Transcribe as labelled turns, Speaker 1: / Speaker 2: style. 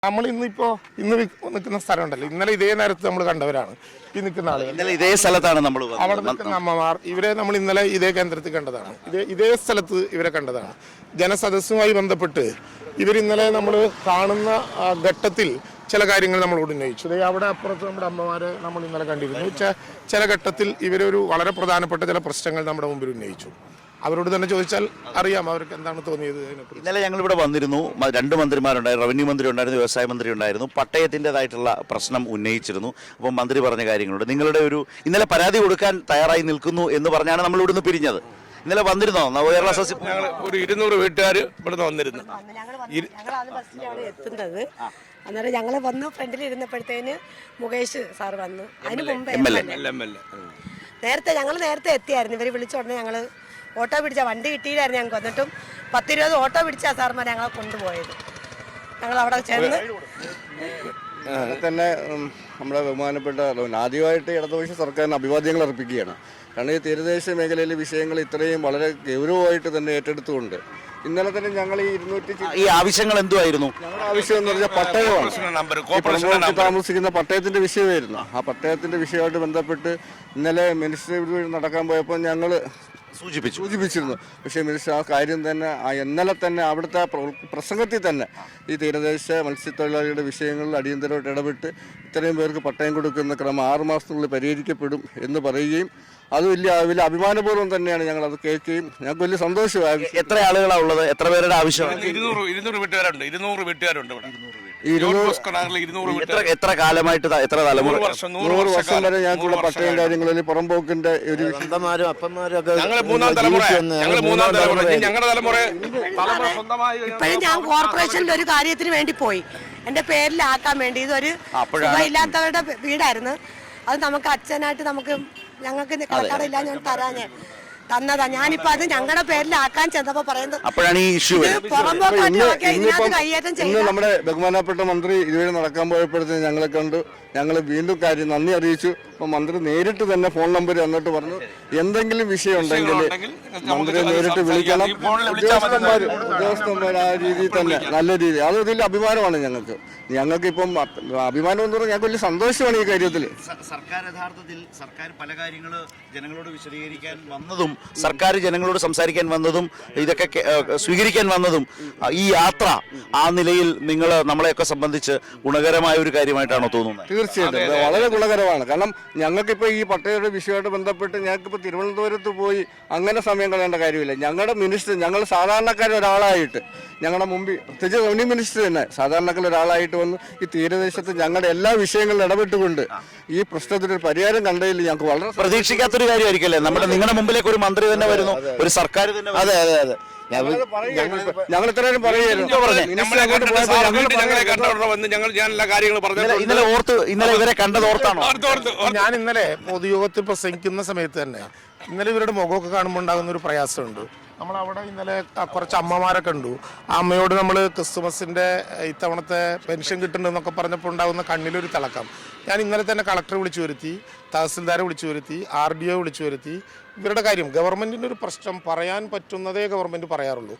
Speaker 1: നമ്മൾ ഇന്ന് നിൽക്കുന്ന സ്ഥലമുണ്ടല്ലോ, ഇന്നലെ ഇതേ നേരത്ത് നമ്മൾ കണ്ടവരാണ് ഈ നിൽക്കുന്ന ആളുകൾ.
Speaker 2: ഇന്നലെ ഇതേ സ്ഥലത്താണ് നമ്മൾ
Speaker 1: അവിടെ നിൽക്കുന്ന അമ്മമാർ, ഇവരെ നമ്മൾ ഇന്നലെ ഇതേ കേന്ദ്രത്തിൽ കണ്ടതാണ്, ഇതേ സ്ഥലത്ത് ഇവരെ കണ്ടതാണ്. ജനസദസ്സുമായി ബന്ധപ്പെട്ട് ഇവരിന്നലെ നമ്മൾ കാണുന്ന ഘട്ടത്തിൽ ചില കാര്യങ്ങൾ നമ്മളോട് ഉന്നയിച്ചു. അവിടെ അപ്പുറത്ത് നമ്മുടെ അമ്മമാരെ നമ്മൾ ഇന്നലെ കണ്ടിരുന്നു. ചില ഘട്ടത്തിൽ ഇവരൊരു വളരെ പ്രധാനപ്പെട്ട ചില പ്രശ്നങ്ങൾ നമ്മുടെ മുമ്പിൽ ഉന്നയിച്ചു. അവരോട് തന്നെ ചോദിച്ചാൽ അറിയാം അവർക്ക് എന്താണ് തോന്നിയത്.
Speaker 2: ഇന്നലെ ഞങ്ങൾ ഇവിടെ വന്നിരുന്നു. 2 മന്ത്രിമാരുണ്ടായിരുന്നു, റവന്യൂ മന്ത്രി ഉണ്ടായിരുന്നു, വ്യവസായ മന്ത്രി ഉണ്ടായിരുന്നു. പട്ടയത്തിൻ്റെതായിട്ടുള്ള പ്രശ്നം ഉന്നയിച്ചിരുന്നു. അപ്പം മന്ത്രി പറഞ്ഞ കാര്യങ്ങളുണ്ട്. നിങ്ങളുടെ ഇന്നലെ പരാതി കൊടുക്കാൻ തയ്യാറായി നിൽക്കുന്നു എന്ന് പറഞ്ഞാണ് നമ്മൾ ഇവിടുന്ന് പിരിഞ്ഞത്. ഇന്നലെ വന്നിരുന്നോ കേരള സസ്യം?
Speaker 1: ഒരു 200 വീട്ടുകാർ ഇവിടുന്ന് വന്നിരുന്നു.
Speaker 3: എത്തുന്നത് അന്നേരം ഞങ്ങൾ വന്നു, ഫ്രണ്ടിൽ ഇരുന്നപ്പോഴത്തേന് മുകേഷ് സാർ വന്നു. അതിന് മുമ്പ് നേരത്തെ എത്തിയായിരുന്നു. ഇവർ വിളിച്ച ഉടനെ ഞങ്ങൾ ഓട്ടോ പിടിച്ച വണ്ടി കിട്ടിയില്ലായിരുന്നു ഞങ്ങൾക്ക്. വന്നിട്ടും 10-20 ഓട്ടോ പിടിച്ചാ സാർമാർ ഞങ്ങളെ കൊണ്ടുപോയത്. ഞങ്ങൾ അവിടെ ചെന്ന്
Speaker 4: തന്നെ നമ്മുടെ ബഹുമാനപ്പെട്ട ആദ്യമായിട്ട് ഇടതുപക്ഷ സർക്കാരിന് അഭിവാദ്യങ്ങൾ അർപ്പിക്കുകയാണ്. കാരണം ഈ തീരദേശ മേഖലയിലെ വിഷയങ്ങൾ ഇത്രയും വളരെ ഗൗരവമായിട്ട് തന്നെ ഏറ്റെടുത്തുകൊണ്ട് ഇന്നലെ തന്നെ ഞങ്ങൾ
Speaker 2: ഈ ആവശ്യങ്ങൾ എന്തുമായിരുന്നു?
Speaker 4: ഞങ്ങളുടെ ആവശ്യം എന്ന് പറഞ്ഞാൽ പട്ടയമാണ്. താമസിക്കുന്ന പട്ടയത്തിന്റെ വിഷയമായിരുന്നു. ആ പട്ടയത്തിന്റെ വിഷയമായിട്ട് ബന്ധപ്പെട്ട് ഇന്നലെ മിനിസ്റ്റർ നടക്കാൻ പോയപ്പോൾ ഞങ്ങൾ സൂചിപ്പിച്ചിരുന്നു. പക്ഷേ മിനിസ്റ്റർ ആ കാര്യം തന്നെ ഇന്നലെ തന്നെ അവിടുത്തെ പ്രസംഗത്തിൽ തന്നെ ഈ തീരദേശ മത്സ്യത്തൊഴിലാളികളുടെ വിഷയങ്ങളിൽ അടിയന്തരമായിട്ട് ഇടപെട്ട് ഇത്രയും പേർക്ക് പട്ടയം കൊടുക്കുന്ന ക്രമം 6 മാസത്തിനുള്ളിൽ പരിഹരിക്കപ്പെടും എന്ന് പറയുകയും അത് വലിയ അഭിമാനപൂർവ്വം തന്നെയാണ് ഞങ്ങൾ അത് കേൾക്കുകയും ഞങ്ങൾക്ക് വലിയ സന്തോഷമായി.
Speaker 2: എത്ര ആളുകളാണ് ഉള്ളത്? എത്ര പേരുടെ ആവശ്യമാണ്?
Speaker 1: 200 വീട്ടുകാരുണ്ട്. 200 വീട്ടുകാരുണ്ട് ഇവിടെ.
Speaker 2: എത്ര കാലമായിട്ട്, എത്ര തലമുറ?
Speaker 4: 100 വർഷം വരെ ഞങ്ങൾക്കുള്ള പട്ടയം കാര്യങ്ങളിൽ പുറംപോക്കിന്റെ ഒരു
Speaker 3: ഇപ്പോഴും ഞാൻ കോർപ്പറേഷനിൽ ഒരു കാര്യത്തിന് വേണ്ടി പോയി, എന്റെ പേരിലാക്കാൻ വേണ്ടി. ഇതൊരു ഇല്ലാത്തവരുടെ വീടായിരുന്നു. അത് നമുക്ക് അച്ഛനായിട്ട് ഞങ്ങൾക്ക് കടക്കാടില്ല, ഞാൻ തരാഞ്ഞ് തന്നതാ. ഞാനിപ്പോ അത് ഞങ്ങളുടെ പേരിലാക്കാൻ ചെന്നപ്പോ പറയുന്നത്
Speaker 2: അപ്പോഴാണ് ഈ ഇഷ്യൂ.
Speaker 4: ഇന്ന് നമ്മുടെ ബഹുമാനപ്പെട്ട മന്ത്രി ഇതുവരെ നടക്കാൻ പോയപ്പോഴത്തേക്ക് ഞങ്ങളെ കണ്ടു. ഞങ്ങൾ വീണ്ടും നന്ദി അറിയിച്ചു. അപ്പൊ മന്ത്രി നേരിട്ട് തന്നെ ഫോൺ നമ്പർ തന്നിട്ട് പറഞ്ഞു എന്തെങ്കിലും വിഷയം ഉണ്ടെങ്കിൽ മന്ത്രിയെ നേരിട്ട് വിളിക്കണം. ഉദ്യോഗസ്ഥന്മാർ ആ രീതിയിൽ തന്നെ നല്ല രീതി, അത് വലിയ അഭിമാനമാണ് ഞങ്ങൾക്ക്. ഇപ്പം അഭിമാനം എന്ന് പറഞ്ഞാൽ ഞങ്ങൾക്ക് വലിയ സന്തോഷമാണ് ഈ കാര്യത്തിൽ.
Speaker 2: സർക്കാർ യഥാർത്ഥത്തിൽ പല കാര്യങ്ങൾ ജനങ്ങളോട് വിശദീകരിക്കാൻ വന്നതും സർക്കാർ ജനങ്ങളോട് സംസാരിക്കാൻ വന്നതും ഇതൊക്കെ സ്വീകരിക്കാൻ വന്നതും ഈ യാത്ര ആ നിലയിൽ നമ്മളെയൊക്കെ സംബന്ധിച്ച് ഗുണകരമായ ഒരു കാര്യമായിട്ടാണോ തോന്നുന്നത്?
Speaker 4: തീർച്ചയായിട്ടും വളരെ ഗുണകരമാണ്. കാരണം ഞങ്ങൾക്കിപ്പോൾ ഈ പട്ടയയുടെ വിഷയമായിട്ട് ബന്ധപ്പെട്ട് ഞങ്ങൾക്കിപ്പോൾ തിരുവനന്തപുരത്ത് പോയി അങ്ങനെ സമയം കളയേണ്ട കാര്യമില്ല. ഞങ്ങളുടെ മിനിസ്റ്റർ, ഞങ്ങൾ സാധാരണക്കാരൊരാളായിട്ട് ഞങ്ങളുടെ മുമ്പിൽ, പ്രത്യേകിച്ച് റവന്യൂ മിനിസ്റ്റർ തന്നെ സാധാരണക്കാരൊരാളായിട്ട് വന്ന് ഈ തീരദേശത്ത് ഞങ്ങളുടെ എല്ലാ വിഷയങ്ങളിലും ഇടപെട്ടുകൊണ്ട് ഈ പ്രശ്നത്തിനൊരു പരിഹാരം കണ്ടതിൽ ഞങ്ങൾക്ക് വളരെ
Speaker 2: പ്രതീക്ഷിക്കാത്തൊരു കാര്യമായിരിക്കല്ലേ. നിങ്ങളുടെ മുമ്പിലേക്ക് ഒരു മന്ത്രി തന്നെ വരുന്നു, ഒരു സർക്കാർ തന്നെ. അതെ അതെ അതെ,
Speaker 4: ഞങ്ങൾ ഇത്രയും പറയുമായിരുന്നു.
Speaker 2: ഇന്നലെ ഇവരെ കണ്ടത് ഓർത്താണോ?
Speaker 1: ഞാൻ ഇന്നലെ പൊതുയോഗത്തിൽ പ്രസംഗിക്കുന്ന സമയത്ത് തന്നെ ഇന്നലെ ഇവരുടെ മുഖമൊക്കെ കാണുമ്പോൾ ഉണ്ടാകുന്ന ഒരു പ്രയാസമുണ്ട്. നമ്മളവിടെ ഇന്നലെ കുറച്ച് അമ്മമാരെ കണ്ടു. ആ അമ്മയോട് നമ്മൾ ക്രിസ്തുമസിന്റെ ഇത്തവണത്തെ പെൻഷൻ കിട്ടുന്നുണ്ടെന്നൊക്കെ പറഞ്ഞപ്പോൾ ഉണ്ടാകുന്ന കണ്ണിലൊരു തിളക്കം. ഞാൻ ഇന്നലെ തന്നെ കളക്ടറെ വിളിച്ചു വരുത്തി, തഹസിൽദാരെ വിളിച്ചു വരുത്തി, RDO വിളിച്ചു വരുത്തി. ഇവരുടെ കാര്യം, ഗവൺമെന്റിന്റെ ഒരു പ്രശ്നം പറയാൻ പറ്റുന്നതേ ഗവൺമെന്റ് പറയാറുള്ളൂ.